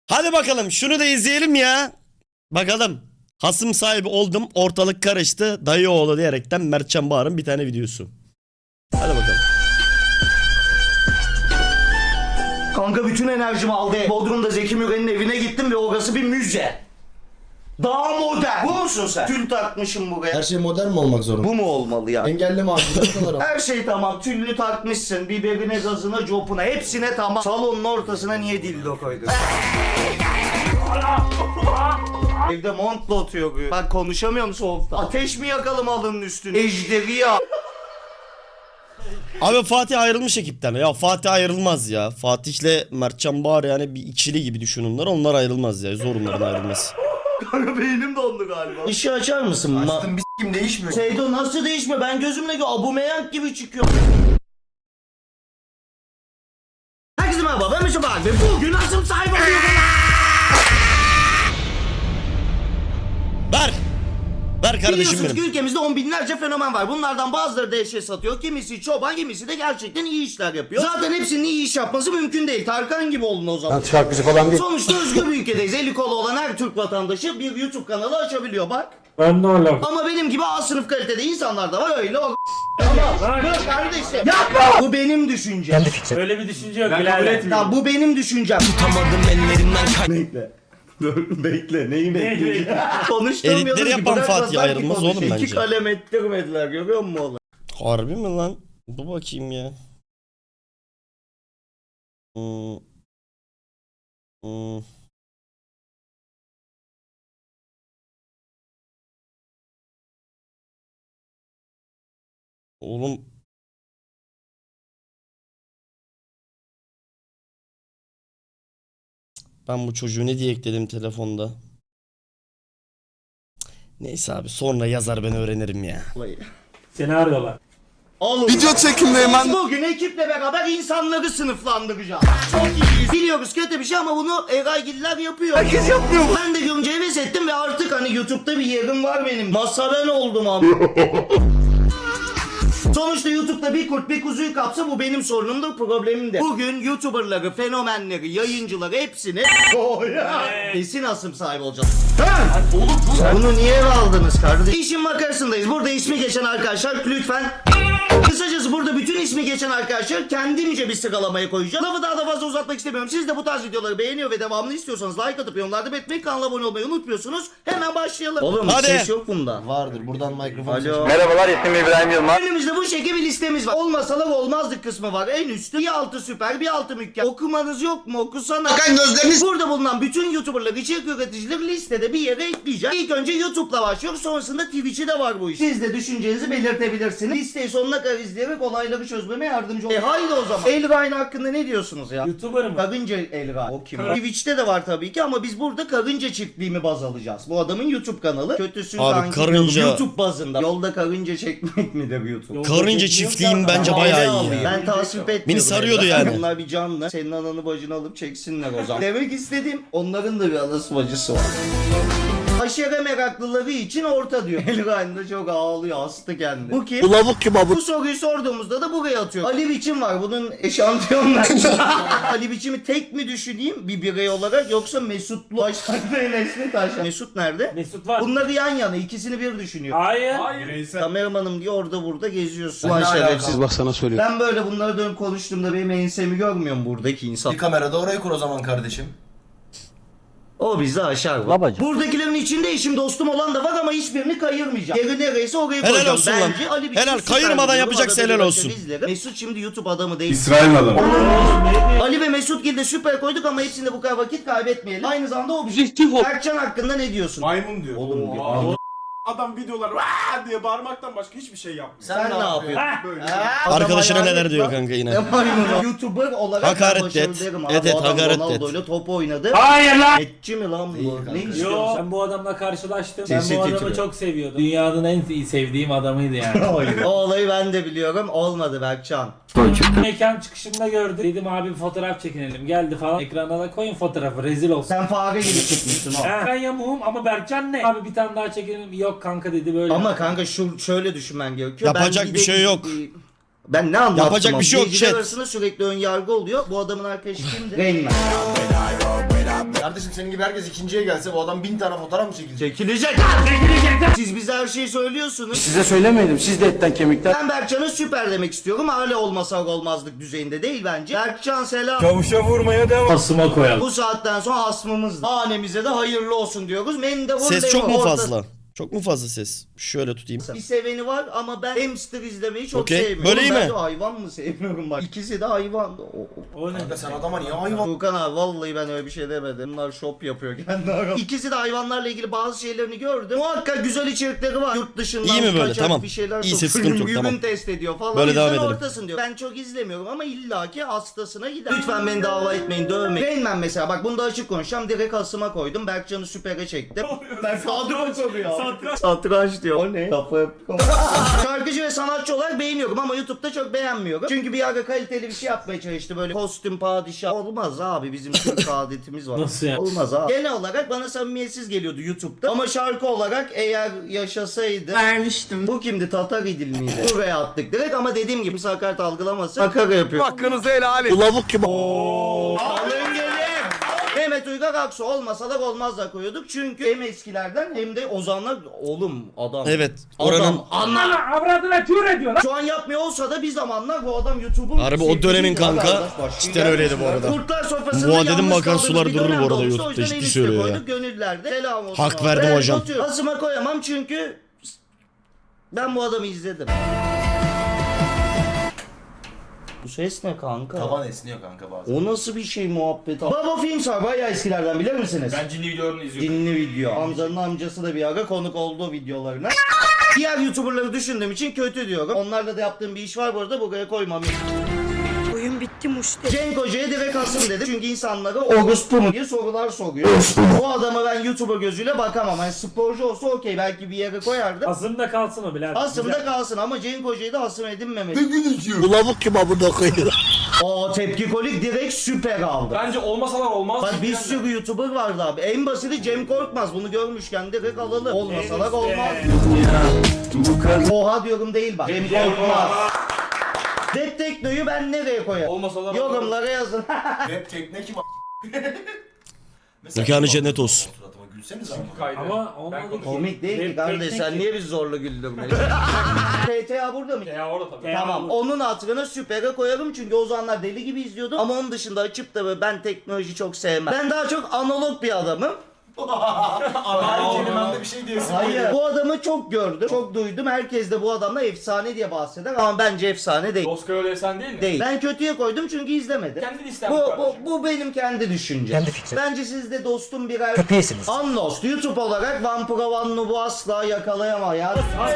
Hadi bakalım şunu da izleyelim ya. Bakalım. Hasım sahibi oldum, ortalık karıştı, dayı oğlu diyerekten Mertcan Bağır'ın bir tane videosu. Hadi bakalım. Kanka bütün enerjimi aldı. Bodrum'da Zeki Müren'in evine gittim ve orası bir müze. Daha modern. Bu musun sen? Tül takmışım buraya. Her şey modern mi olmak zorunda? Bu mu olmalı ya? Engelleme abi. Her şey tamam. Tüllü takmışsın. Biberine, gazına, copuna. Hepsine tamam. Salonun ortasına niye dildo koydun? Evde montla oturuyor. Bak konuşamıyorum soğukta. Ateş mi yakalım alının üstüne? Ejderi ya. Abi Fatih ayrılmış ekipten. Ya Fatih ayrılmaz ya. Fatih'le Mertcan Bağır yani bir ikili gibi düşün onlar. Onlar ayrılmaz ya. Zor onların ayrılması. Kanka beynim dondu galiba. Işığı açar mısın? Açtım bir s**kim değişmiyor. Seydo nasıl değişmiyor? Ben gözümle Aubameyang gibi çıkıyor. Herkese merhaba, ben Mesut Bağır ve bugün Hasım sahibi oluyorum. Ver kardeşim Biliyorsunuz ki benim. ülkemizde on binlerce fenomen var. Bunlardan bazıları dehşet satıyor. Kimisi çoban, kimisi de gerçekten iyi işler yapıyor. Zaten hepsinin iyi iş yapması mümkün değil. Tarkan gibi olun o zaman. Şarkıcı falan değil. Sonuçta özgür bir ülkedeyiz. Eli kolu olan her Türk vatandaşı bir YouTube kanalı açabiliyor bak. Ben de öyle. Ama benim gibi A sınıf kalitede insanlar da var öyle o. Ama dur kardeşim. Yapma. Bu benim düşüncem. Öyle bir düşünce yok. Ben kabul etmiyorum. Ya bu benim düşüncem. Tutamadım ellerinden Bekle. Dur bekle neyi bekleyeceğim? Konuşturmuyoruz Editleri ki, yapan bırakmadılar Fatih ki ayrılmaz konuşayım. oğlum bence. İki kalem ettirmediler görüyor musun oğlum? Harbi mi lan? Dur bakayım ya. Hmm. Hmm. Oğlum. Ben bu çocuğu ne diye ekledim telefonda? Neyse abi sonra yazar ben öğrenirim ya. Seni arıyorlar. Oğlum. Video çekimdeyim ben. Bugün ekiple beraber insanları sınıflandıracağız. Çok iyiyiz. Biliyoruz kötü bir şey ama bunu Eraygiller yapıyor. Herkes yapmıyor. Ben de görünce heves ettim ve artık hani YouTube'da bir yerim var benim. Masa oldum abi. Sonuçta YouTube'da bir kurt bir kuzuyu kapsa bu benim sorunumdur, problemim de. Bugün YouTuber'ları, fenomenleri, yayıncıları hepsini kesin Hasım sahibi olacağız. Bunu niye eve aldınız kardeşim? İşin makarasındayız. Burada ismi geçen arkadaşlar lütfen. Kısacası burada bütün ismi geçen arkadaşlar kendimce bir sıralamaya koyacağım. Lafı daha da fazla uzatmak istemiyorum. Siz de bu tarz videoları beğeniyor ve devamını istiyorsanız like atıp yorumlarda belirtmeyi, kanala abone olmayı unutmuyorsunuz. Hemen başlayalım. Oğlum Hadi. ses yok bunda. Vardır buradan mikrofon Alo. seçin. Merhabalar, ismim İbrahim Yılmaz. Önümüzde bu şekilde bir listemiz var. Olmasalar olmazdık kısmı var. En üstte bir altı süper, bir altı mükemmel. Okumanız yok mu? Okusana. Bakın gözleriniz. Burada bulunan bütün YouTuber'lar, içerik üreticileri listede bir yere ekleyeceğim. İlk önce YouTube'la başlıyoruz. Sonrasında Twitch'i de var bu iş. Siz de düşüncenizi belirtebilirsiniz. Listeyi sonuna kadar izleyerek olayları çözmeme yardımcı olun. Haydi o zaman. Elrain hakkında ne diyorsunuz ya? YouTuber mı? Karınca Elrain. O kim? Twitch'te de var tabii ki ama biz burada karınca çiftliğimi baz alacağız. Bu adamın YouTube kanalı. Kötüsün Abi kanki karınca- diyorum. YouTube bazında. Yolda karınca çekmek midir YouTube? Karınca çiftliğim bence bayağı iyi ya. Ben tasvip etmiyorum. Beni sarıyordu Elrain. yani. Bunlar bir canlı. Senin ananı bacını alıp çeksinler o zaman. Demek istediğim onların da bir anası bacısı var. Aşere meraklıları için orta diyor. Elrain de çok ağlıyor, hastı kendi. Bu kim? Bu lavuk kim abi? Bu soruyu sorduğumuzda da buraya atıyor. Ali Biçim var. Bunun eşantiyonlar. Ali Biçim'i tek mi düşüneyim bir birey olarak yoksa Mesutlu? Başaklı Enesli Taşan. Mesut nerede? Mesut var. Bunları yan yana ikisini bir düşünüyor. Hayır. Kameramanım diye orada burada geziyorsun. Ne Ulan alaka? şerefsiz. Bak sana söylüyorum. Ben böyle bunlara dönüp konuştuğumda benim ensemi görmüyor mu buradaki insan? Bir kamerada orayı kur o zaman kardeşim. O bizi aşar. Babacım. Buradakilerin içinde eşim dostum olan da var ama hiçbirini kayırmayacağım. Yeri nereyse oraya Helal koyacağım. olsun lan. Bence Ali Biçim Helal, süper kayırmadan bir yapacaksa adam, helal bir olsun. başka izlerim. Mesut şimdi YouTube adamı değil. İsrail adamı. Ali ve Mesut Gil'de süper koyduk ama hepsinde bu kadar vakit kaybetmeyelim. Aynı zamanda objektif ol. Berkcan hakkında ne diyorsun? Maymun diyor. Oğlum diyor. Adam videolar "Vaa!" diye bağırmaktan başka hiçbir şey yapmıyor. Sen ne yapıyorsun? Böyle. Arkadaşına Adam neler diyor hayalet kanka yine. lan. Ne maymunu? YouTuber olarak Hakaret ben başarılı et. derim abi. Evet, Bu adam hakaret et. Ronaldo'yla top oynadı. Hayır lan. Etçi mi lan Değil bu? kanka. Ne Yo, istiyorsun? ben bu adamla karşılaştım. Sesi Ben bu adamı titriyor. çok seviyordum. Dünyanın en iyi sevdiğim adamıydı yani. O olayı ben de biliyorum. Olmadı Berkcan. Mekan çıkışında gördüm. Dedim abi bir fotoğraf çekinelim. Geldi falan. Ekrana da koyun fotoğrafı. Rezil olsun. Sen fare gibi çıkmışsın o. Ben yamuğum ama Berkcan ne? Abi bir tane daha çekelim. Yok kanka dedi böyle. Ama kanka şöyle düşünmen gerekiyor. Yapacak Ben bir şey yok. Ben ne anlattım? Yapacak ama? bir şey yok, İzleyiciler chat. arasında sürekli ön yargı oluyor. Bu adamın arkadaşı kimdi? Rain Man. Kardeşim senin gibi herkes ikinciye gelse bu adam 1000 tane fotoğraf mı çekilecek? Çekilecek. Siz bize her şeyi söylüyorsunuz. Size söylemedim. Siz de etten kemikten. Ben Berkcan'a süper demek istiyorum. Hala olmasak olmazlık düzeyinde değil bence. Berkcan selam. Kavuşa vurmaya devam. Asıma koyalım. Bu saatten sonra asmımız. Hanemize de hayırlı olsun diyoruz. Mendebur Ses çok mu orta- fazla? Çok mu fazla ses? Şöyle tutayım. Bir seveni var ama ben hamster izlemeyi çok Okey, sevmiyorum. böyle iyi Ben mi? de hayvan mı sevmiyorum bak. İkisi de hayvan. O ne? Kanka sen adama niye hayvan? Furkan abi vallahi ben öyle bir şey demedim. Bunlar shop yapıyor kendi aralarında. İkisi de hayvanlarla ilgili bazı şeylerini gördüm. Muhakkak güzel içerikleri var. Yurt dışından İyi mi böyle? kaçak Tamam. bir şeyler İyiyse sokuyor. sıkıntı yok, Ürün tamam. test ediyor falan. Böyle devam Yüzden edelim. ortasın diyor. Ben çok izlemiyorum ama illaki hastasına gider. Lütfen beni dava etmeyin, dövmeyin. Rain Man mesela bak bunda açık konuşacağım. Direkt asıma koydum. Berkcan'ı süpere çektim. Ben kadro koruyor. Satranç diyor. O ne? Şarkıcı ve sanatçı olarak beğeniyorum ama YouTube'da çok beğenmiyorum. Çünkü bir ara kaliteli bir şey yapmaya çalıştı böyle kostüm padişah. Olmaz abi bizim Türk adetimiz var. Nasıl ya? Olmaz abi. Genel olarak bana samimiyetsiz geliyordu YouTube'da. Ama şarkı olarak eğer yaşasaydı. Vermiştim. Bu kimdi? Tatar İdil miydi? Buraya attık direkt ama dediğim gibi sakat algılamasın. Makara yapıyor. Hakkınızı helal edin. Lavuk gibi. Alın gelin. Mehmet Uygar Aksu olmasa da olmazlar koyuyorduk. Çünkü hem eskilerden hem de ozanlar oğlum adam. Evet. Oranın Adam anla. Avradına tür ediyor lan. Şu an yapmıyor olsa da bir zamanlar bu adam YouTube'un Harbi o dönemin kanka, cidden öyleydi bu arada. Kurtlar sofrasında Bu dedim yalnız bakar kaldığımız sular bir durur dönem bu arada olmuştu. YouTube'da, O yüzden ciddi en üste söylüyor ya. koyduk, gönüllerde. Selam olsun. Hak abi. verdim Ben hocam. atıyorum. Asıma koyamam çünkü ben bu adamı izledim. Bu ses ne kanka? Taban esniyor kanka bazen. O nasıl bir şey muhabbet? Baba Films var bayağı eskilerden bilir misiniz? Ben cinli videolarını izliyorum. Dinli video. Hamza'nın amcası da bir ara konuk oldu videolarına. Diğer YouTuber'ları düşündüğüm için kötü diyorum. Onlarla da yaptığım bir iş var bu arada buraya koymam. Oyun bitti muşte. Cenk Hoca'ya direkt asım dedim. Çünkü insanlara orospu mu diye sorular soruyor. O adama ben YouTuber gözüyle bakamam. Yani sporcu olsa okey belki bir yere koyardım. Asımda kalsın o birader. Asımda kalsın ama Cenk Hoca'yı da asım edinmemeli. Bu lavuk gibi burada koyuyor. O tepki kolik direkt süper aldı. Bence olmasalar olmaz. Bak bir sürü YouTuber vardı abi. En basiti Cem Korkmaz. Bunu görmüşken direkt alalım. Olmasalar olmaz. Oha diyorum değil bak. Cem Korkmaz. Rap Tekno'yu ben nereye koyarım? Olmasalar Yorumlara yazın. Rap tekne kim Mekanı cennet olsun. Suratıma gülseniz ama. kaydı. Ama olmadı ki. Komik değil ki Rap kardeş. teknik Sen ki. niye bizi zorla güldürmeli? PTA burada mı? Ya orada tabii. Tamam onun hatırına süpere koyarım çünkü o zamanlar deli gibi izliyordum ama onun dışında açıp da böyle ben teknoloji çok sevmem. Ben daha çok analog bir adamım. Her kelimende bir şey diyorsun. Hayır. Bu adamı çok gördüm, çok duydum. Herkes de bu adamla efsane diye bahseder ama bence efsane değil. Oscar öyle sen değil mi? Değil. Ben kötüye koydum çünkü izlemedi. Kendi listem Bu benim kendi düşüncem. Kendi fikrim. Bence siz de dostum birer Köpeğisiniz. Unlost. YouTube olarak Vampira One Noob'u asla yakalayamaz ya.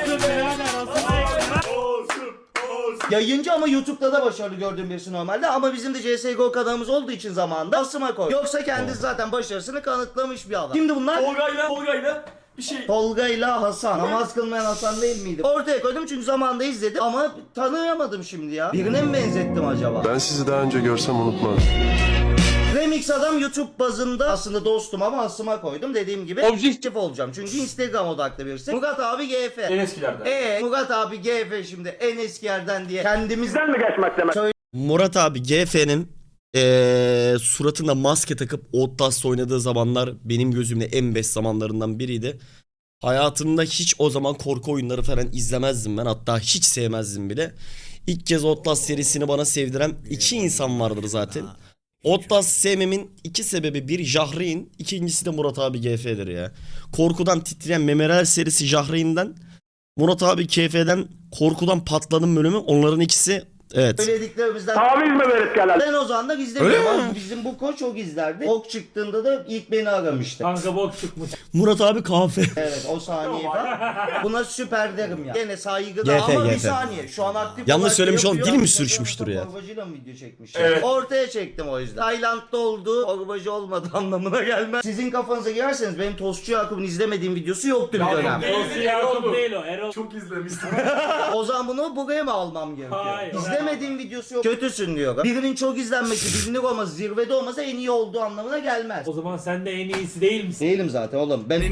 Yayıncı ama YouTube'da da başarılı gördüğüm birisi normalde ama bizim de CSGO kanalımız olduğu için zamanında asıma koy. Yoksa kendisi zaten başarısını kanıtlamış bir adam. Şimdi bunlar Tolga'yla bir şey. Tolga ile Hasan. Namaz kılmayan Hasan değil miydi? Ortaya koydum çünkü zamanında izledim ama tanıyamadım şimdi ya. Birine mi benzettim acaba? Ben sizi daha önce görsem unutmaz. Remix adam YouTube bazında aslında dostum ama asıma koydum. Dediğim gibi objektif olacağım. Çünkü Instagram odaklı birisi. Murat abi GF. En eskilerden. Murat abi GF şimdi en eskilerden diye kendimizden mi Murat abi GF'nin suratında maske takıp Outlast oynadığı zamanlar benim gözümde en best zamanlarından biriydi. Hayatımda hiç o zaman korku oyunları falan izlemezdim ben. Hatta hiç sevmezdim bile. İlk kez Outlast serisini bana sevdiren iki insan vardır zaten. Outlast sevmemin iki sebebi: bir Jahreyn, ikincisi de Murat abi GF'dir ya. Korkudan titreyen Memeler serisi Jahreyn'den, Murat abi GF'den korkudan patladım bölümü, onların ikisi evet. söylediklerimizden taviz mi verip gelen? Ben o zaman da izlemiyorum. Ama bizim bu koç çok izlerdi. Ok çıktığında da ilk beni aramıştı. Kanka bok çıkmış. Murat abi kahve. Evet o saniye falan. Buna süper derim ya. Gene saygıda GF, ama bir GF. saniye. Şu an aktif Yanlış olarak söylemiş oğlum, yapıyor. dil mi sürçmüştür ya? Torbacıyla mı video çekmiş? Evet. Ortaya çektim o yüzden. Tayland'da olduğu torbacı olmadı anlamına gelmez. Sizin kafanıza girerseniz benim Tostçu Yakup'un izlemediğim videosu yoktu bir dönem. Değil, Erol değil o. Erol. Çok izlemiştim. O zaman bunu buraya mı almam gerekiyor? Hayır. İzlemedim İzlemediğim videosu yok. Kötüsün diyor. Birinin çok izlenmesi, bilinir olması, zirvede olması en iyi olduğu anlamına gelmez. O zaman sen de en iyisi değil misin? Değilim zaten oğlum. Ben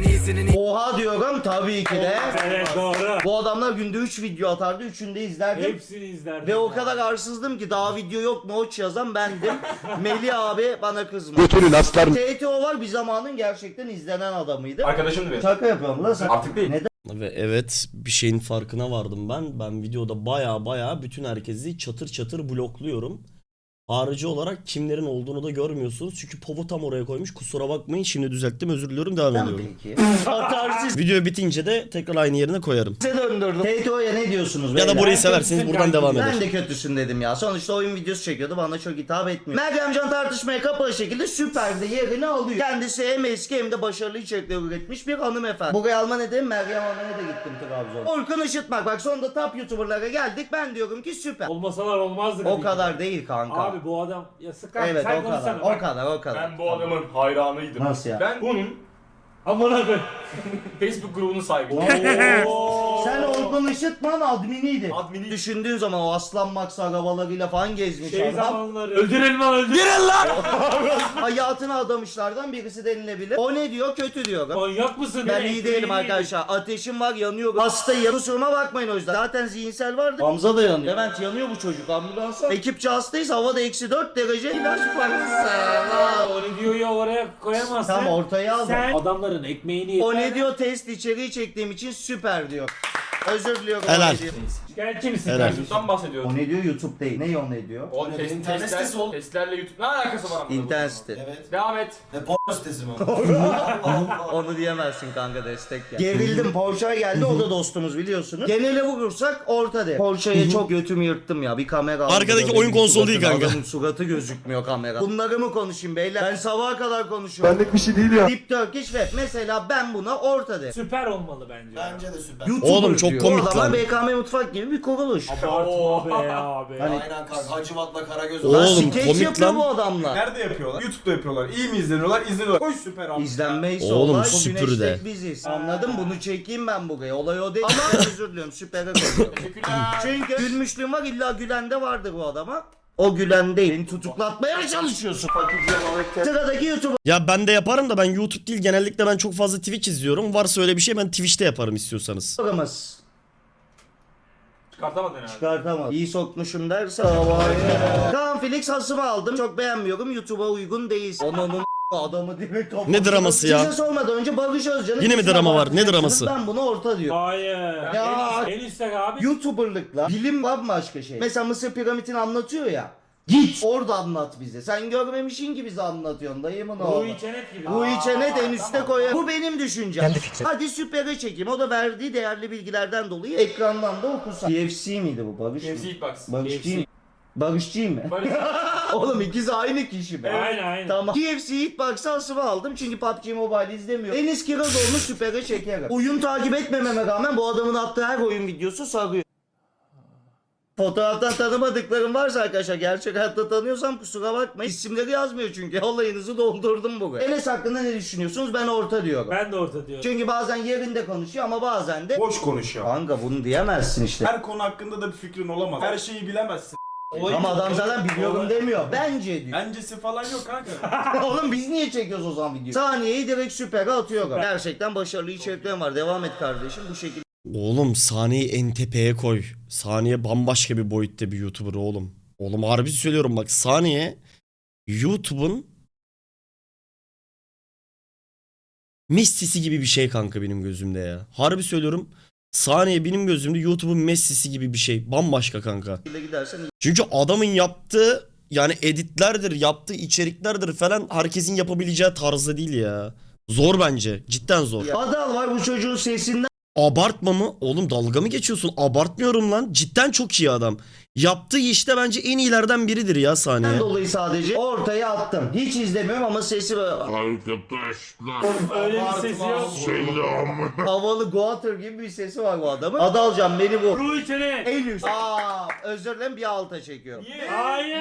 oha diyorum tabii ki de. Evet doğru. Bu adamlar günde 3 video atardı. 3'ünü de izlerdim. Hepsini izlerdim. Ve o kadar arsızdım ki daha video yok mu oç yazan bendim. Melih abi bana kızma. Götünün aslar. TTO var bir zamanın gerçekten izlenen adamıydı. Arkadaşımdı benim. Şaka yapıyorum lan sen. Artık değil. Neden? Ve evet bir şeyin farkına vardım ben. Ben videoda baya bütün herkesi çatır çatır blokluyorum. Harici olarak kimlerin olduğunu da görmüyorsunuz. Çünkü Povo tam oraya koymuş. Kusura bakmayın şimdi düzelttim, özür diliyorum, devam ediyorum. Peki. Atarsız Video bitince de tekrar aynı yerine koyarım. size döndürdüm. TTO'ya ne diyorsunuz? Ya beyler? da burayı severseniz kötüsün buradan kanka. devam eder. Ben de kötüsün dedim ya. Sonuçta oyun videosu çekiyordu. Bana çok hitap etmiyor. Meryemcan tartışmaya kapalı şekilde Süper'de yerini alıyor. Kendisi hem eski hem de başarılı içerikler üretmiş bir hanımefendi. Buraya alma nedenim Meryem Hanım'a da gittim Trabzon'a. Orkun Işıtmak. Bak sonunda top YouTuber'lara geldik. Ben diyorum ki süper. Olmasalar olmazdı. O kadar değil kanka. Abi bu adam ya sıkar. Evet sen o kadar. konuşsana. O kadar o kadar. Ben bu adamın hayranıydım. Nasıl ya? Ben bunun Amına koy. Facebook grubunun sahibiyim. Sen Orkun Işıtman adminiydi. Admini. Düşündüğün zaman o Aslan Max arabalarıyla falan gezmiş Şey adam. zamanları. Öldürelim lan öldürelim. Hayatını adamışlardan birisi denilebilir. O ne diyor? Kötü diyor. Manyak mısın? Ben Ne? iyi değilim arkadaşlar. Ateşim var, yanıyorum. Hastayım. Kusuruma bakmayın o yüzden. Zaten zihinsel vardı. Hamza da yanıyor. Levent yanıyor bu çocuk. Ambulansa. Ekipçe hastayız. Havada -4 derece. İlaç parası. O ne diyor ya oraya koyamazsın. Tam ortaya aldım. Sen adamların ekmeğini O ne diyor? Test içeriği çektiğim için süper diyor. Özür diliyorum. Helal. O ne diyor? şikayetçi misin? Helal. kardeşim? YouTube'dan bahsediyorum. O ne diyor? YouTube değil. Ne o ne diyor? O internet sitesi oğlum. testlerle YouTube ne alakası var? İnternet sitesi. Evet. Devam et. Ne porno sitesi mi? Onu diyemezsin kanka, destek ya. Gerildim, Porsche'ya geldi, o da dostumuz biliyorsunuz. Genele vurursak orta de. Porsche'ye çok götümü yırttım ya, bir kamera aldım. Arkadaki Benim oyun konsolu değil suratım, kanka. Adamın suratı gözükmüyor kamera. Bunları mı konuşayım beyler? Ben sabaha kadar konuşuyorum. Benlik bir şey değil ya. Deep Turkish Web mesela ben buna orta de. Süper olmalı bence. Bence de süper. YouTuber Oğlum çok diyor. komik O zaman lan. BKM Mutfak gibi bir kuruluş. Abartma be abi. Hani- Aynen kanka. Hacivat'la Karagöz. Oğlum, Lan skeç komik yapıyor lan. bu adamlar. Nerede yapıyorlar? YouTube'da yapıyorlar. İyi mi izleniyorlar? İzleniyorlar. Koş süper abi. İzlenmeyse Oğlum, olay, süpür bugün de. hashtag biziz. Anladın? Bunu çekeyim ben buraya. Olay o değil. Ama özür diliyorum. Süper'e koyuyorum. Teşekkürler. Çünkü gülmüşlüğüm var, illa gülen de vardır bu adama. O gülen değil. Beni tutuklatmaya çalışıyorsun. Sıradaki YouTuber. Ya ben de yaparım da ben YouTube değil, genellikle ben çok fazla Twitch izliyorum. Varsa öyle bir şey ben Twitch'te yaparım istiyorsanız. Programız. Çıkartamadın herhalde. Çıkartamam. İyi sokmuşum derse. Kaan Felix hasımı aldım. Çok beğenmiyorum. YouTube'a uygun değil. Onun adamı direkt topladım. Ne draması ya? Size sormadan önce Barış Özcan'ın... Yine mi ismine drama var? Ne bakacaksınız. draması? Ben bunu orta diyorum. Hayır. Ya. En üstte abi. YouTuber'lıkla bilim bambaşka şey. Mesela Mısır piramitini anlatıyor ya. Git orada anlat bize. Sen görmemişsin ki bize anlatıyorsun dayımın oğlu. Ruhi Çenet gibi. Ruhi Çenet en üstte koyar. Bu benim düşüncem. Hadi süpere çekeyim. O da verdiği değerli bilgilerden dolayı ekrandan da okusan. KFC miydi bu Barış mı? KFC Hitbox. Barışçı mı? Barışçı mı? Barış. Oğlum ikisi aynı kişi be. Aynen. Tamam. KFC Hitbox'ı asıma aldım çünkü PUBG Mobile izlemiyorum. Enis Kirazoğlu'nu süpere çekerim. Oyun takip etmememe rağmen bu adamın attığı her oyun videosu sarıyor. Fotoğraftan tanımadıklarım varsa arkadaşlar, gerçek hayatta tanıyorsam kusura bakmayın. İsimleri yazmıyor çünkü. Olayınızı doldurdum buraya. Enes hakkında ne düşünüyorsunuz? Ben orta diyorum. Ben de orta diyorum. Çünkü bazen yerinde konuşuyor ama bazen de... Boş konuşuyor. Kanka bunu diyemezsin işte. Her konu hakkında da bir fikrin olamaz. Her şeyi bilemezsin. Ama adam zaten biliyorum demiyor. Bence diyor. Bencesi falan yok kanka. Oğlum biz niye çekiyoruz o zaman videoyu? Saniyeyi direkt süpere atıyor. Gerçekten başarılı içeriklerim var. Devam et kardeşim bu şekilde. Oğlum sahneyi en tepeye koy. Saniye bambaşka bir boyutta bir YouTuber oğlum. Oğlum harbi söylüyorum bak, Saniye YouTube'un Messi'si gibi bir şey kanka benim gözümde ya. Harbi söylüyorum. Saniye benim gözümde YouTube'un Messi'si gibi bir şey. Bambaşka kanka. Gidersen Çünkü adamın yaptığı yani editlerdir, yaptığı içeriklerdir falan herkesin yapabileceği tarzda değil ya. Zor bence. Cidden zor. Adal var bu çocuğun sesinden. Abartma mı? Oğlum dalga mı geçiyorsun? Abartmıyorum lan. Cidden çok iyi adam. Yaptığı işte bence en iyilerden biridir ya Saniye. Dolayı sadece ortaya attım. Hiç izlemiyorum ama sesi böyle Öyle bir sesi yok. havalı Goater gibi bir sesi var bu adamın. Adalcan beni vur. Ruhi Çenet. En üst. Özür dilerim, bir alta çekiyorum. Hayır.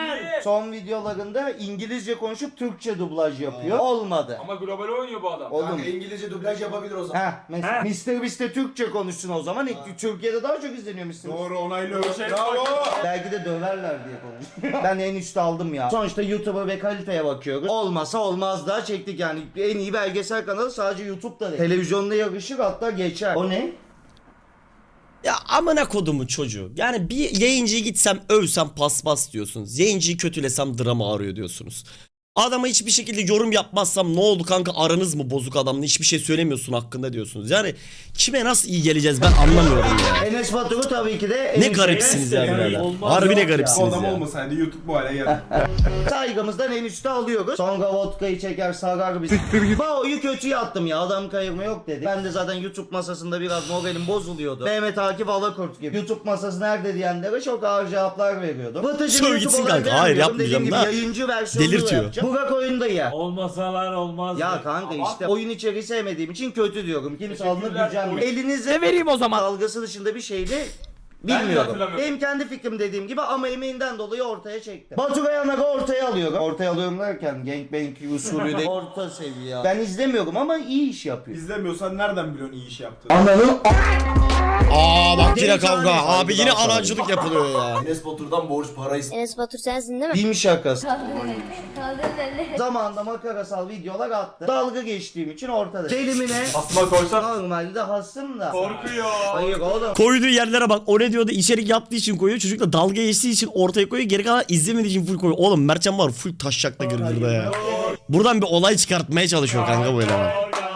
Son videolarında İngilizce konuşup Türkçe dublaj yapıyor. Olmadı. Ama global oynuyor bu adam. Oğlum. İngilizce dublaj yapabilir o zaman. Heh, mesela Mr. Beast'te Türkçe konuşsun o zaman. Türkiye'de daha çok izleniyor Mr. Beast. Doğru onaylıyorum. Bravo. Belki de döverler diye konuşuyor. Ben en üstte aldım ya. Sonuçta YouTube'a ve kaliteye bakıyoruz. Olmasa olmaz daha çektik yani. En iyi belgesel kanalı sadece YouTube'da değil. Televizyonda yarışır hatta geçer. O ne? Ya amına kodumu çocuğu. Yani bir yayıncıyı gitsem övsem paspas diyorsunuz. Yayıncıyı kötülesem drama arıyor diyorsunuz. Adama hiçbir şekilde yorum yapmazsam ne oldu kanka aranız mı bozuk adamla hiçbir şey söylemiyorsun hakkında diyorsunuz. Yani kime nasıl iyi geleceğiz ben anlamıyorum ya. Enes Batur'u tabii ki de en Ne üst garipsiniz ya Yani birader. olmaz Harbi ne yok ya. Bu garipsiniz adam ya. olmasaydı YouTube bu hale geldi. saygımızdan en üstte alıyoruz. Sonra vodkayı çeker sarar bizi. Bao'yu kötüye attım ya adam kayırma yok dedi. Ben de zaten YouTube masasında biraz moralim bozuluyordu. Mehmet Akif Alakurt gibi. YouTube masası nerede diyenlere çok ağır cevaplar veriyordum. Vıtıcı Söv YouTube gitsin olarak kanka. Hayır, vermiyorum. yapmayacağım Dediğim da. gibi yayıncı versiyonunu Delirtiyor. yapacağım. Burak oyunda ya. Olmasalar olmaz. Ya kanka işte oyun içeriği sevmediğim için kötü diyorum. Kimse alınıp Teşekkürler. gücenmiyor. Elinize vereyim o zaman. dalgası dışında bir şeydi. Ben de Bilmiyorum. hatırlamıyorum. Benim kendi fikrim dediğim gibi ama emeğinden dolayı ortaya çektim. Baturay Anak'ı ortaya alıyorum. Ortaya alıyorum derken gangbang usulü de orta seviye. Ben izlemiyorum ama iyi iş yapıyor. İzlemiyorsan nereden biliyorsun iyi iş yaptığını? Ananı Aa bak yine Benim kavga. tane Abi yine saygıdan anacılık yapılıyor ya. Enes Batur'dan borç para Enes Batur sensin değil mi? film şakası. Zamanında makarasal videolar attı. Dalga geçtiğim için ortada. Delimine Asma koysan normalde hasım da. korkuyor. Hayır oğlum. Koyduğu yerlere bak. O ne diyordu? İçerik yaptığı için koyuyor. Çocuk da dalga geçtiği için ortaya koyuyor. Geri kalan izlemediği için full koyuyor. Oğlum Mertcan var full taşşakla gırgırda ya. Buradan bir olay çıkartmaya çalışıyor kanka bu eleman.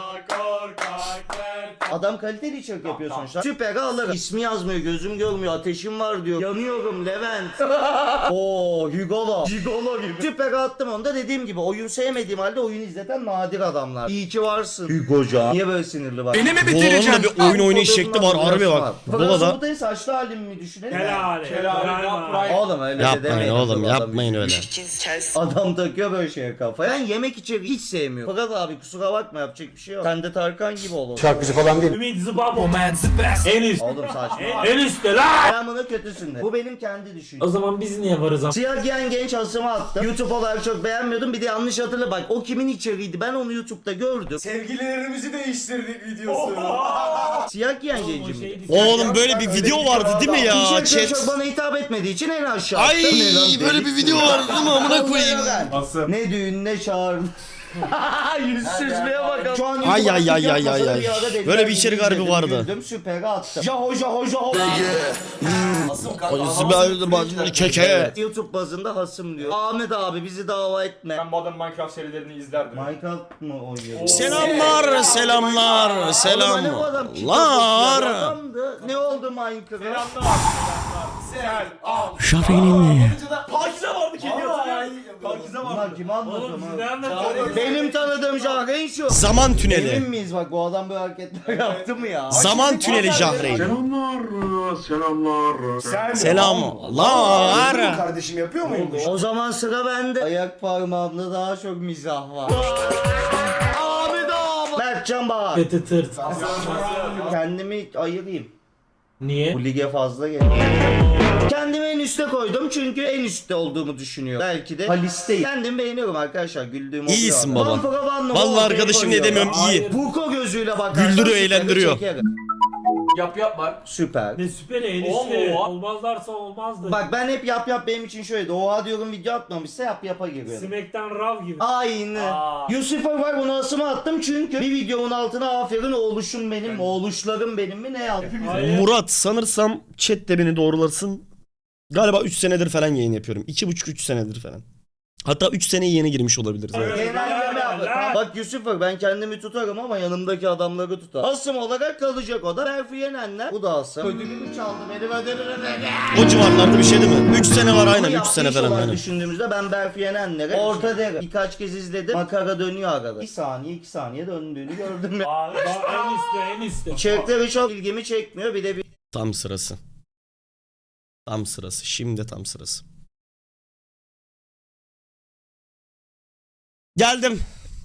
Adam kaliteli içerik yapıyor sonuçta. Süper alırım. İsmi yazmıyor, gözüm görmüyor, ateşim var diyor. Yanıyorum Levent. Oo, Hugolo. Hugolo gibi. Süper attım onu da dediğim gibi oyun sevmediğim halde oyun izleten nadir adamlar. İyi ki varsın. Hugoca. Niye böyle sinirli bak? Beni mi Bola'nın bitireceksin? da bir oyun oynayış şekli var. Harbi bak. Bola'da. Fransa'da saçlı halimi mi düşünelim? Helal. Oğlum öyle de Yapmayın demeyin. oğlum Adam- yapmayın öyle. Adam takıyor böyle şeye kafaya. Ben yemek içeriği hiç sevmiyorum. Fakat abi kusura bakma yapacak bir şey yok. Sen de Tarkan gibi ol. Şarkıcı falan değil. Ümit Zıbabo. En üst. Oğlum saçma. En üstte lan. Ben bunu kötüsün de. Bu benim kendi O düşüncem. zaman biz niye varız ama? Siyah giyen genç asımı attım. YouTube olarak çok beğenmiyordum. Bir de yanlış hatırla bak. O kimin içeriğiydi? Ben onu YouTube'da gördüm. Sevgililerimizi değiştirdik videosu. Siyah giyen O gencim. şey değil. Oğlum böyle bir video vardı değil mi ya İçerikleri chat? çok bana hitap etmediği için en aşağı Ay attım. Ne lan böyle dedik? bir video vardı değil mi amına koyayım. Asım. Ne düğün ne çağırdı. Yüzsüzlüğe bakalım. Şu an Ay, YouTube ay, ay, açtık, ay, yapmasa ay. da bir ara dediler Böyle bir gibi içerik harbi izledim, vardı. Güldüm süperi attım. Jaho jaho jaho. Keke. YouTube bazında hasım diyor. Ahmet abi bizi dava etme. Ben Modern Minecraft serilerini izlerdim. Minecraft mı oynuyor? Selamlar selamlar selamlar. Ne oldu Minecraft? Selamlar. Selam. Al. Şafinin. Pakize vardı kedi hatırlıyor. Pakize Bunlar vardı. kim Oğlum anlatıyor? siz ne anlatıyorsunuz? Benim tanıdığım Jahreyn şu. Zaman Emin tüneli. miyiz bak bu adam böyle hareketler yaptı mı ya? Zaman tüneli Jahreyn. Selamlar. Selamlar. Kardeşim yapıyor muymuş? O zaman sıra bende. Ayak parmağımda daha çok mizah var. Ahmet abi. Mertcan Bahar. Kötü tırt. Kendimi ayırayım. Niye? Bu lige fazla geliyor. Kendimi en üste koydum çünkü en üstte olduğumu düşünüyorum. Belki de Halis'teyim. Kendimi beğeniyorum arkadaşlar. Güldüğüm oluyor. İyisin baba. Vampira Van'la Vallahi ortaya arkadaşım ne koyuyorum. demiyorum iyi. Buko gözüyle bakarsan Güldürüyor, süperi eğlendiriyor. çekerim. Yap var. Süper. Ne süper en üstte. Oo. Olmazlarsa olmazdı. Bak ben hep yap benim için şöyle. Oha diyorum video atmamışsa yapa giriyorum. Smackdown Raw gibi. Aynı. Aa. Yusuf'a var onu asıma attım çünkü bir videomun altına aferin oğluşum benim, oğluşlarım benim mi ne yazdı? Murat sanırsam chat de beni doğrulasın. Galiba 3 senedir falan yayın yapıyorum. 2,5-3 senedir falan. Hatta 3 seneye yeni girmiş olabiliriz. Evet. Genelleme yaptı. Bak Yusuf'a ben kendimi tutarım ama yanımdaki adamları tutar. Asım olarak kalacak o da. Berfi Yenenler. Bu da Asım. Ödülümü çaldı benim ödülümü. O civarlarda bir şey değil mi? 3 sene var aynen 3 Yaptığı sene iş falan olarak aynen. düşündüğümüzde ben Berfi Yenenler'e orta derim. Birkaç kez izledim. Makara dönüyor arada. 1 saniye 2 saniye döndüğünü gördüm ya. Aa, en üstte en üstte. İçerikleri çok ilgimi çekmiyor. Bir de bir Tam sırası. Tam sırası. Şimdi tam sırası. Geldim.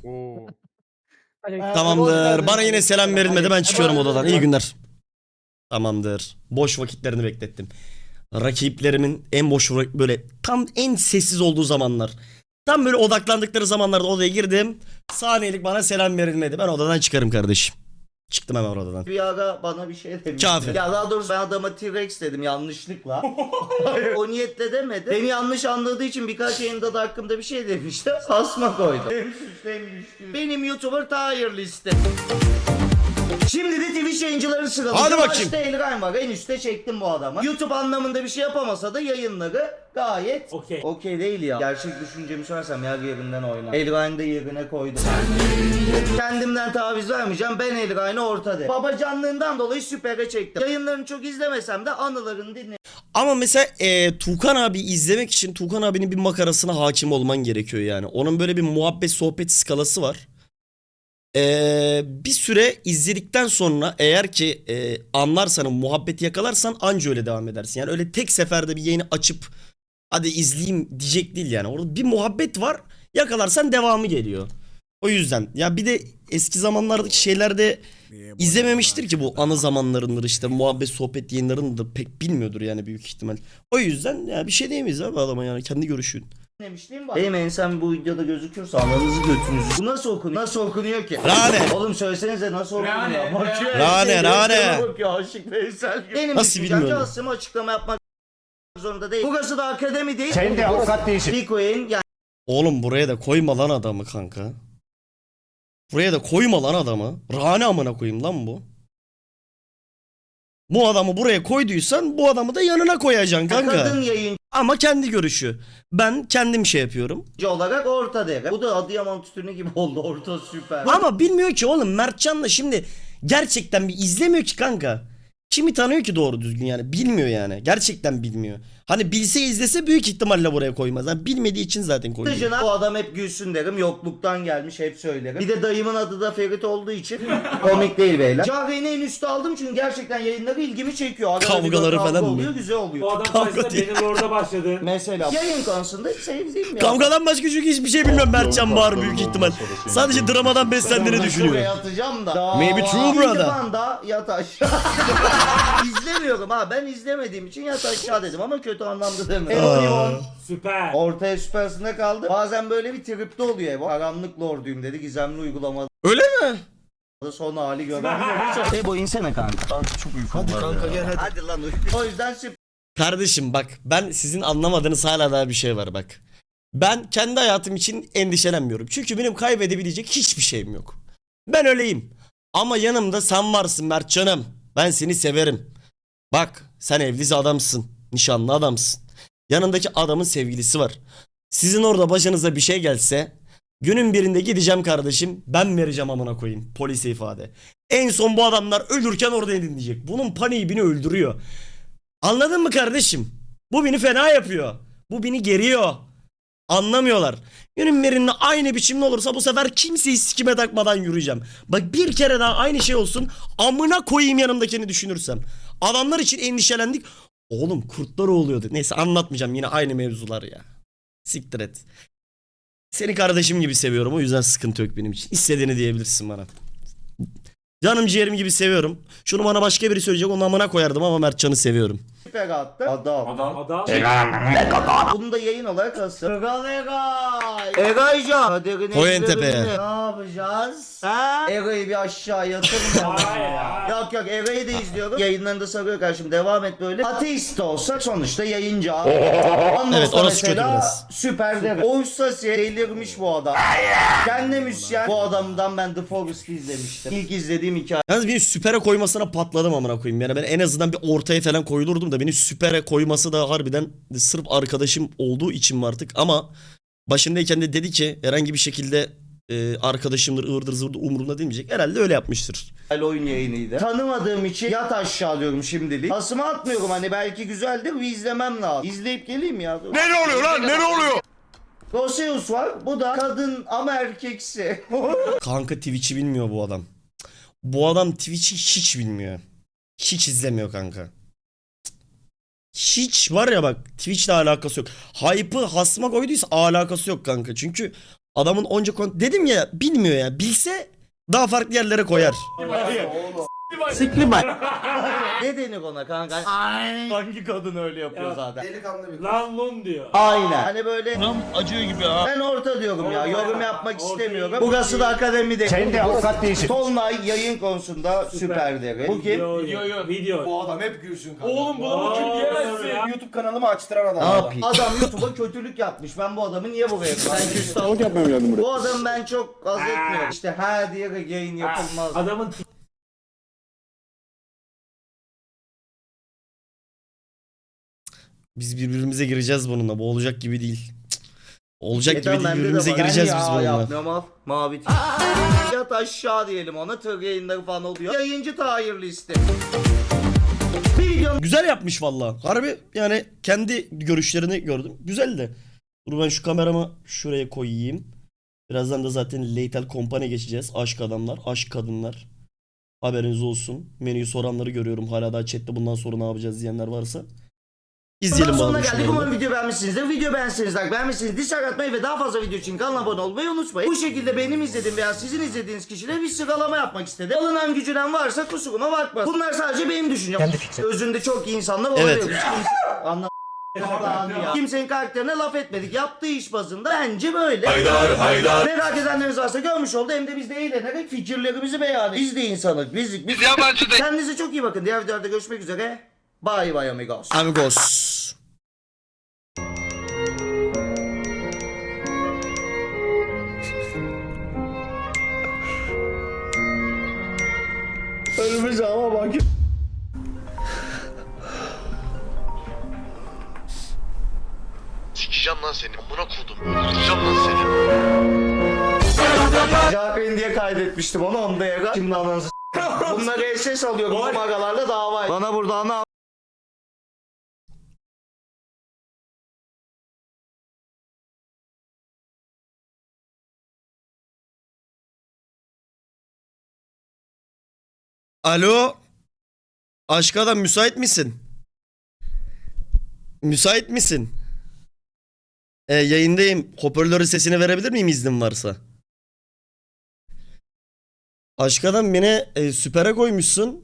Tamamdır. Bana yine selam verilmedi. Ben çıkıyorum odadan. İyi günler. Tamamdır. Boş vakitlerini beklettim. rakiplerimin en boş böyle tam en sessiz olduğu zamanlar. Tam böyle odaklandıkları zamanlarda odaya girdim. Saniyelik bana selam verilmedi. Ben odadan çıkarım kardeşim. Çıktım hemen odadan. Bir ara bana bir şey demişti. Kafir. Ya daha doğrusu ben adama T-Rex dedim yanlışlıkla. O niyetle demedi. Beni yanlış anladığı için birkaç yayında da hakkımda bir şey demişti. Asma koydum. Hem süslü hem düşkün. Benim YouTuber tier liste. Şimdi de Twitch yayıncıları sıraladım. Hadi bakayım. Başta Elrain var. En üstte çektim bu adamı. YouTube anlamında bir şey yapamasa da yayınları gayet Okey. okey değil ya. Gerçek düşüncemi söylersem yer yerinden oynar. Elrain'i de yerine koydum. Kendimden taviz vermeyeceğim. Ben Elrain'i ortada. Babacanlığından dolayı süpere çektim. Yayınlarını çok izlemesem de anılarını dinle. Ama mesela Tuğkan abi izlemek için Tuğkan abinin bir makarasına hakim olman gerekiyor yani. Onun böyle bir muhabbet sohbet skalası var. Bir süre izledikten sonra eğer ki anlarsan, muhabbeti yakalarsan anca öyle devam edersin. Yani öyle tek seferde bir yayını açıp hadi izleyeyim diyecek değil yani. Orada bir muhabbet var, yakalarsan devamı geliyor. O yüzden ya bir de eski zamanlardaki şeylerde izlememiştir ki bu anı zamanlarındır işte muhabbet sohbet yayınlarını da pek bilmiyordur yani büyük ihtimal. O yüzden ya bir şey diyemeyiz abi adama yani kendi görüşün. Demişliğim var. Benim ensem bu videoda gözüküyorsa ananızı götünüzü. Bu nasıl okunuyor? Nasıl okunuyor ki? Rane. Oğlum söylesenize nasıl okunuyor? Rane. Bakıyor. Rane, Rane. Bakıyor Aşık Veysel gibi. Benim Nasıl düşüncem bilmiyorum. Aslında açıklama yapmak zorunda değil. Burası da akademi değil. Sen de avukat değilsin. Bitcoin yani Oğlum buraya da koyma lan adamı kanka. Buraya da koyma lan adamı. Rane amına koyayım lan bu. Bu adamı buraya koyduysan bu adamı da yanına koyacaksın kanka. kadın yayıncı Ama kendi görüşü. Ben kendim şey yapıyorum. olarak orta değer. Bu da Adıyaman tütünü gibi oldu. Orta süper. Ama bilmiyor ki oğlum Mertcan'la şimdi gerçekten bir izlemiyor ki kanka. Kimi tanıyor ki doğru düzgün yani bilmiyor yani. Gerçekten bilmiyor. Hani bilse izlese büyük ihtimalle buraya koymaz. Yani bilmediği için zaten koyuyor. Dışına bu adam hep gülsün derim. Yokluktan gelmiş hep söylerim. Bir de dayımın adı da Ferit olduğu için komik değil beyler. Cahreyn'i en üstte aldım çünkü gerçekten yayınları ilgimi çekiyor. Arada Kavgaları bir kavga falan mı? oluyor, güzel Bu oluyor. adam Kavga sayesinde değil. benim orada başladı. Mesela yayın konusunda sevdiğim ya. Kavgadan başka çünkü hiçbir şey bilmiyorum Mertcan Bahar büyük ihtimal. Sadece dramadan beslendiğini düşünüyor. Şuraya atacağım da. Maybe true brother. Anda yat aşağı. İzlemiyorum ha. Ben izlemediğim için yat aşağı dedim ama kötü anlamda demedim. Evon Süper. ortaya süpersinde kaldı. Bazen böyle bir tripte oluyor Evon. Karanlık lorduyum dedi. Gizemli uygulamada Öyle mi? son hali gören. Ebo insene kanka. Çok uykum var kanka gel Hadi lan uyu. O yüzden Kardeşim bak ben sizin anlamadığınız hala daha bir şey var bak. Ben kendi hayatım için endişelenmiyorum. Çünkü benim kaybedebilecek hiçbir şeyim yok. Ben öyleyim. Ama yanımda sen varsın Mertcan'ım. Ben seni severim. Bak sen evli adamsın. Nişanlı adamsın. Yanındaki adamın sevgilisi var. Sizin orada başınıza bir şey gelse günün birinde gideceğim kardeşim. Ben vereceğim amına koyayım polise ifade. En son bu adamlar ölürken orada dinleyecek. Bunun paniği beni öldürüyor. Anladın mı kardeşim? Bu beni fena yapıyor. Bu beni geriyor. Anlamıyorlar. Günün birinde aynı biçimde olursa bu sefer kimseyi sikime takmadan yürüyeceğim. Bak bir kere daha aynı şey olsun. Amına koyayım yanımdakini düşünürsem. Adamlar için endişelendik. Oğlum kurtlar oluyordu. Neyse anlatmayacağım yine aynı mevzular ya. Siktir et. Seni kardeşim gibi seviyorum o yüzden sıkıntı yok benim için. İstediğini diyebilirsin bana. Canım ciğerim gibi seviyorum. Şunu bana başka biri söyleyecek onun amına koyardım ama Mertcan'ı seviyorum. süper attı. Adam. Adam. Bunu da yayın olarak asıl. Egaycan. Kaderin Koyun tepeye. Ne yapacağız? Ha? Ega'yı bir aşağı yatırmayalım. Hayır. Yok yok Ega'yı da izliyorum. Yayınlarında sarıyor karşım. Devam et böyle. Ateist de olsak sonuçta yayıncı abi. Evet, orası kötü biraz. Süper derim. Oğuz Sasi delirmiş bu adam. Kendi müzisyen. Bu adamdan ben The Forest'ı izlemiştim. İlk izlediğim hikaye. Yalnız beni süpere koymasına patladım amına koyayım. Yani ben en azından bir ortaya falan koyulurdum da beni süpere koyması da harbiden sırf arkadaşım olduğu için mi artık ama başındayken de dedi ki herhangi bir şekilde arkadaşımdır ıvırdır zıvırdır umurumda demeyecek. Herhalde öyle yapmıştır. Oyun yayınıydı. Tanımadığım için yat aşağı diyorum şimdilik. Asıma atmıyorum hani belki güzeldir bir izlemem lazım. İzleyip geleyim ya. Ne oluyor lan? Ne oluyor? Roseus var. Bu da kadın ama erkeksi. Kanka Twitch'i bilmiyor bu adam. Bu adam Twitch'i hiç bilmiyor. Hiç izlemiyor kanka. Hiç var ya bak Twitch'le alakası yok. Hype'ı hasma koyduysa alakası yok kanka. Çünkü adamın onca dedim ya bilmiyor ya. Bilse daha farklı yerlere koyar. Sikli bay. Ne denir ona kanka? Ay. Hangi kadın öyle yapıyor Ya. zaten? Delikanlı bir Lan lun diyor. Aynen. Hani böyle Acıyor gibi ha. ben orta diyorum ya. Yorum yapmak Orta istemiyorum. iyi. Burası da akademide. Sen de avukat değilsin. Tolunay yayın konusunda süper deri. Bu kim? Video. Video. Bu adam hep gülsün kanka. Oğlum bunu kim Ya. diyemezsin. YouTube kanalımı açtıran adam. Ne yapayım? Adam YouTube'a kötülük yapmış. Ben bu adamı niye buraya koyayım? Ben küstah. Sağlık yapmaya geldim buraya. Bu adamı ben çok haz etmiyorum. İşte ha diye yayın yapılmaz. Adamın Biz birbirimize gireceğiz bununla. Bu olacak gibi değil. Cık. Olacak gibi Tamam, değil. bende de Birbirimize var. gireceğiz Ben biz ya bununla. yapmıyorum al. Mavi tip. Yat aşağı diyelim ona. Tır yayınları falan oluyor. Yayıncı Tahir liste. Bir videonun Güzel yapmış valla. Harbi yani kendi görüşlerini gördüm. Güzeldi. Dur ben şu kameramı şuraya koyayım. Birazdan da zaten Lethal Company'e geçeceğiz. Aşk adamlar, aşk kadınlar. Haberiniz olsun. Menüyü soranları görüyorum. Hala daha chatte bundan sonra ne yapacağız diyenler varsa. İzleyelim sonuna bakalım geldik. şunları. Umarım video beğenmişsinizdir. Video beğenmişsiniz, like beğenmişsiniz, dislike atmayı ve daha fazla video için kanala abone olmayı unutmayın. Bu şekilde benim izlediğim veya sizin izlediğiniz kişiler bir sıralama yapmak istedi. Alınan gücünen varsa kusuruma bakmasın. Bunlar sadece benim düşüncem. Özünde çok iyi insanlar olabilir. Evet. Anla ya. Kimsenin karakterine laf etmedik. Yaptığı iş bazında bence böyle. Merak edenleriniz varsa görmüş oldu. Hem de biz de eğlenerek fikirlerimizi beyan ediyoruz. Biz de insanız. Biz yabancı değil. Kendinize çok iyi bakın. Diğer videolarda görüşmek üzere. Bye bye amigos. Amigos. Önümüz ama bak. Sikeceğim lan seni. Amına kodum. Öldüreceğim lan seni. Jacqueline diye kaydetmiştim onu onda ya. Şimdi ananızı bunları SS alıyorum. Bu magalarla dava. Bana burada ana Alo. Aşk adam müsait misin? Müsait misin? Yayındayım. Hoparlörün sesini verebilir miyim iznin varsa? Aşk adam beni süpere koymuşsun.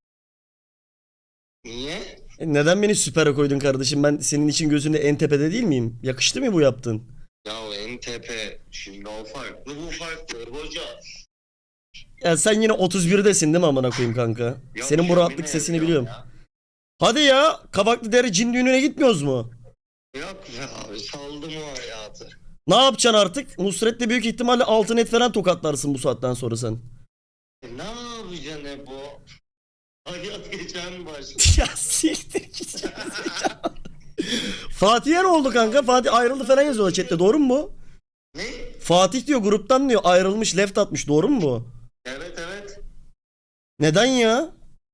Niye? Neden beni süpere koydun kardeşim? Ben senin için gözünde en tepede değil miyim? Yakıştı mı bu yaptın? Ya en tepe. Şimdi o farklı bu farklı hoca. Ya sen yine 31'desin değil mi amına koyayım kanka? Yok, Senin bu yemin rahatlık sesini ediyorum biliyorum. ya. Hadi ya, Kavaklı Dere cin düğününe gitmiyoruz mu? Yok be abi saldım o hayatı. Ne yapacaksın artık? Nusret'le büyük ihtimalle altın et falan tokatlarsın bu saatten sonra sen. Ne yapacaksın bu? Hayat geçen başladı. Ya siktir git. Fatih'e ne oldu kanka? Fatih ayrıldı falan yazıyorlar chatte, doğru mu bu? Ne? Fatih diyor gruptan diyor ayrılmış, left atmış, doğru mu bu? Evet evet. Neden ya?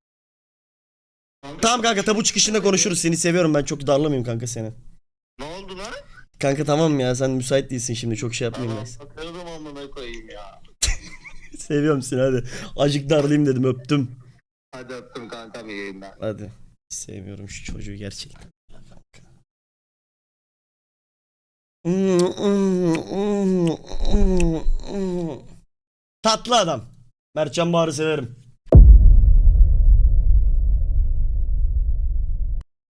Tamam kanka, tabu çıkışında konuşuruz, seni seviyorum, ben çok darlamayayım kanka seni. Ne oldu lan? Kanka tamam ya, sen müsait değilsin şimdi, çok şey yapmayayım Tamam ben. bakıyordum amına koyayım ya. Seviyorum seni, hadi. Acık darlayayım dedim, öptüm. Hadi öptüm kanka bir yayından. Hadi. Sevmiyorum şu çocuğu gerçekten. Tatlı adam. Mertcan Bahar'ı severim.